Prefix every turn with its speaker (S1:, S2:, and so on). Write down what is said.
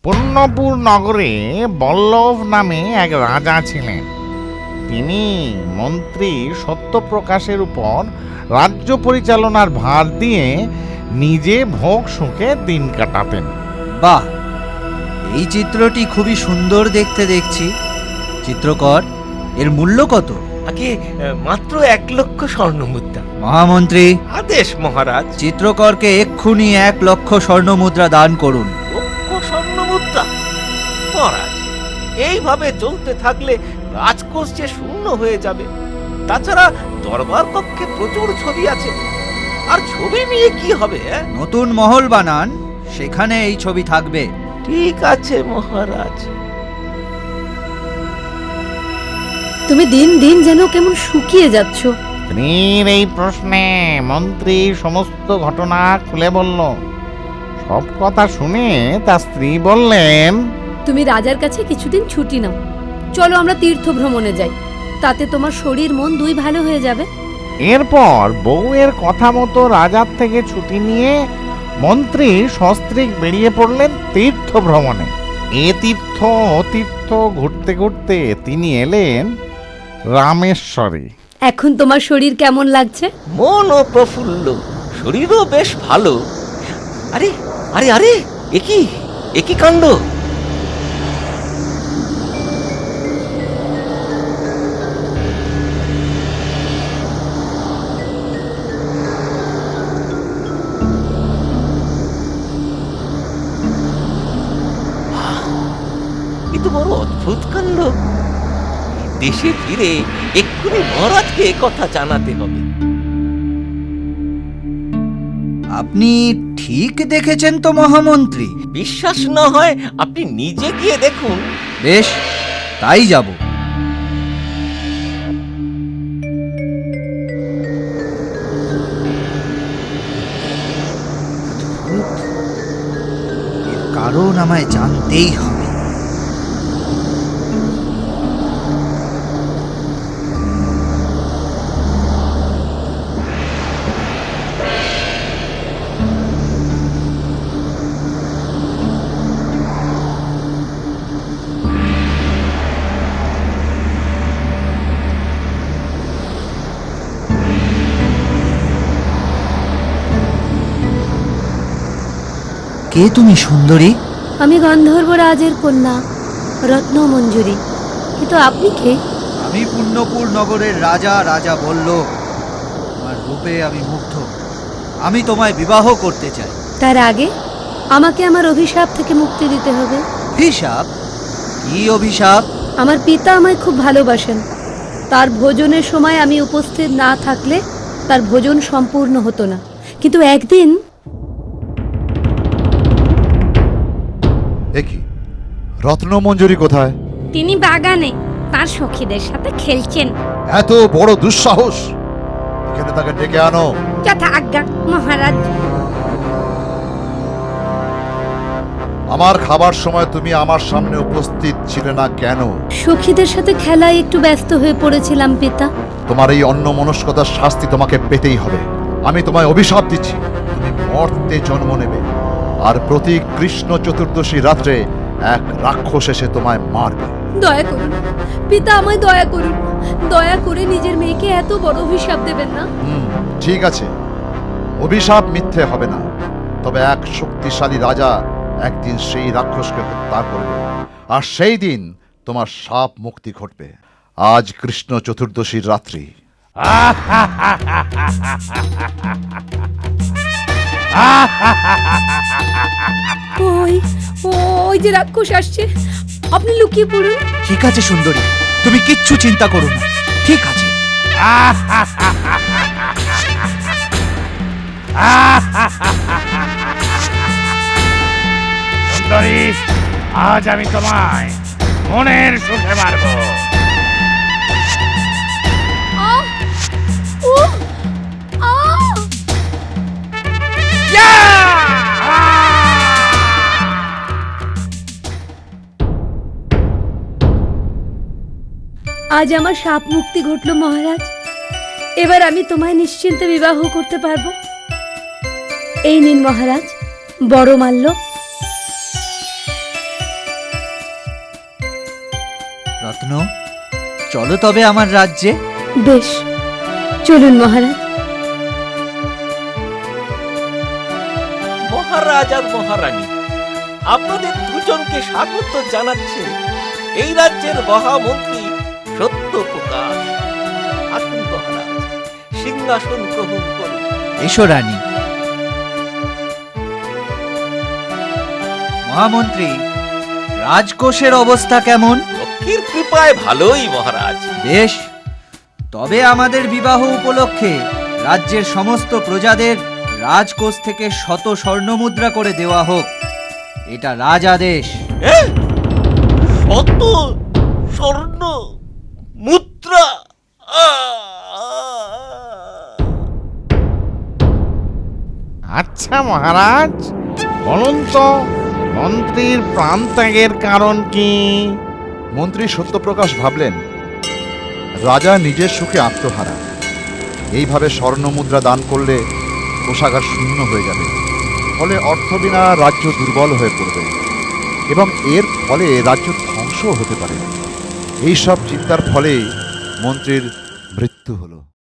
S1: পুণ্যপুর নগরে বল্লভ নামে এক রাজা ছিলেন। তিনি মন্ত্রী সত্যপ্রকাশের উপর রাজ্য পরিচালনার ভার দিয়ে নিজে ভোগ সুখে দিন কাটাতেন।
S2: বাহ, এই চিত্রটি খুবই সুন্দর দেখতে দেখছি। চিত্রকর, এর মূল্য কত?
S3: আগে মাত্র 1,00,000 স্বর্ণমুদ্রা।
S2: মহামন্ত্রী,
S3: আদেশ মহারাজ।
S2: চিত্রকরকে এক্ষুনি 1,00,000 স্বর্ণমুদ্রা দান করুন।
S3: 1,00,000 স্বর্ণমুদ্রা? মহারাজ, এইভাবে চলতে থাকলে রাজকোষ যে শূন্য হয়ে যাবে। তাছাড়া দরবার কক্ষে প্রচুর ছবি আছে, আর ছবি নিয়ে কি হবে?
S2: নতুন মহল বানান, সেখানে এই ছবি থাকবে।
S3: ঠিক আছে মহারাজ।
S4: তুমি দিন দিন যেন কেমন শুকিয়ে যাচ্ছ।
S1: স্ত্রীর এই প্রশ্নে মন্ত্রী সমস্ত ঘটনা খুলে বলল। সব কথা শুনে তার স্ত্রী বললেন,
S4: তুমি রাজার কাছে কিছুদিন ছুটি নাও, চলো আমরা তীর্থ ভ্রমণে যাই, তাতে তোমার শরীর মন দুই ভালো হয়ে যাবে।
S1: এরপর বউয়ের কথা মতো রাজার থেকে ছুটি নিয়ে মন্ত্রী সস্ত্রীক বেরিয়ে পড়লেন তীর্থ ভ্রমণে। এ তীর্থ ও তীর্থ ঘুরতে ঘুরতে তিনি এলেন রামেশ্বরে।
S4: এখন তোমার শরীর কেমন লাগছে?
S3: মনও প্রফুল্ল, শরীরও বেশ ভালো। আরে আরে আরে, একই কাণ্ড! এ তো বড় অদ্ভুত কাণ্ড। দেশে ফিরে এক্ষুনি মহারাজকে কথা জানাতে হবে।
S2: আপনি ঠিক দেখেছেন তো মহামন্ত্রী?
S3: বিশ্বাস না হয় আপনি নিজে গিয়ে দেখুন।
S2: বেশ, তাই যাব। এর কারণ আমায় জানতেই হবে। কে তুমি সুন্দরী?
S4: আমি গন্ধর্ব রাজের কন্যা রত্নমঞ্জুরি। কিন্তু আপনি কে?
S2: আমি পুণ্যপুর নগরের রাজা বল্লভ। তোমার রূপে আমি মুগ্ধ। আমি তোমায় বিবাহ করতে চাই।
S4: তার আগে আমাকে আমার অভিশাপ থেকে মুক্তি দিতে হবে।
S2: অভিশাপ? কি অভিশাপ?
S4: আমার পিতা আমায় খুব ভালোবাসেন। তার ভোজনের সময় আমি উপস্থিত না থাকলে তার ভোজন সম্পূর্ণ হতো না। কিন্তু একদিন
S5: একি রত্নমঞ্জুরি কোথায়?
S4: তিনি বাগানে তার সখীদের সাথে খেলছেন।
S5: এত বড় দুঃসাহস! এখানে তাকে ডেকে আনো।
S4: যথা আজ্ঞা মহারাজ।
S5: আমার খাবার সময় তুমি আমার সামনে উপস্থিত ছিলে না কেন?
S4: সখীদের সাথে খেলায় একটু ব্যস্ত হয়ে পড়েছিলাম পিতা।
S5: তোমার এই অন্যমনস্কতার শাস্তি তোমাকে পেতেই হবে। আমি তোমায় অভিশাপ দিচ্ছি, তুমি মর্তে জন্ম নেবে, আর প্রতি কৃষ্ণ চতুর্দশী রাত্রে এক রাক্ষস এসে তোমায় মারবে।
S4: দয়া করুন পিতা, আমায় দয়া করুন। দয়া করে নিজের মেয়েকে এত বড় অভিশাপ দেবেন না।
S5: ঠিক আছে, অভিশাপ মিথ্যে হবে না। তবে এক শক্তিশালী রাজা একদিন সেই রাক্ষসকে হত্যা করবে, আর সেই দিন তোমার শাপ মুক্তি ঘটবে। আজ কৃষ্ণ চতুর্দশীর রাত্রি।
S4: ওই ওই যে রাক্ষস আসছে, আপনি লুকিয়ে পড়ুন।
S2: ঠিক আছে সুন্দরী, তুমি কিচ্ছু চিন্তা করো না। ঠিক আছে।
S1: সুন্দরী, আজ আমি তোমায় মনের সুখে মারব।
S4: আহ! উহ! আহ! আজ আমার শাপ মুক্তি ঘটলো মহারাজ। এবার আমি তোমায় নিশ্চিন্তে বিবাহ করতে পারবো। এই নিন মহারাজ বড় মাল্য।
S2: রত্ন, চলো তবে আমার রাজ্যে।
S4: বেশ, চলুন মহারাজ।
S3: মহারাজ আর মহারানী, আপনাদের দুজনকে স্বাগত জানাচ্ছে এই রাজ্যের মহামন্ত্রী সত্যপ্রকাশ। আসুন মহারাজ, সিংহাসন গ্রহণ করুন।
S2: এসো রানী। মহামন্ত্রী, রাজকোষের অবস্থা কেমন?
S3: লক্ষ্মীর কৃপায় ভালোই মহারাজ।
S2: বেশ, তবে আমাদের বিবাহ উপলক্ষে রাজ্যের সমস্ত প্রজাদের রাজকোষ থেকে 100 স্বর্ণমুদ্রা করে দেওয়া হোক। এটা রাজাদেশ।
S3: শত স্বর্ণ মুদ্রা!
S1: আচ্ছা মহারাজ, বলুন তো মন্ত্রীর প্রাণত্যাগের কারণ কি?
S5: মন্ত্রী সত্যপ্রকাশ ভাবলেন, রাজা নিজের সুখে আত্মহারা। এইভাবে স্বর্ণমুদ্রা দান করলে কোষাগার শূন্য হয়ে যাবে, ফলে অর্থ বিনা রাজ্য দুর্বল হয়ে পড়বে এবং এর ফলে রাজ্য ধ্বংস হতে পারে। এইসব চিন্তার ফলে মন্ত্রীর মৃত্যু হলো।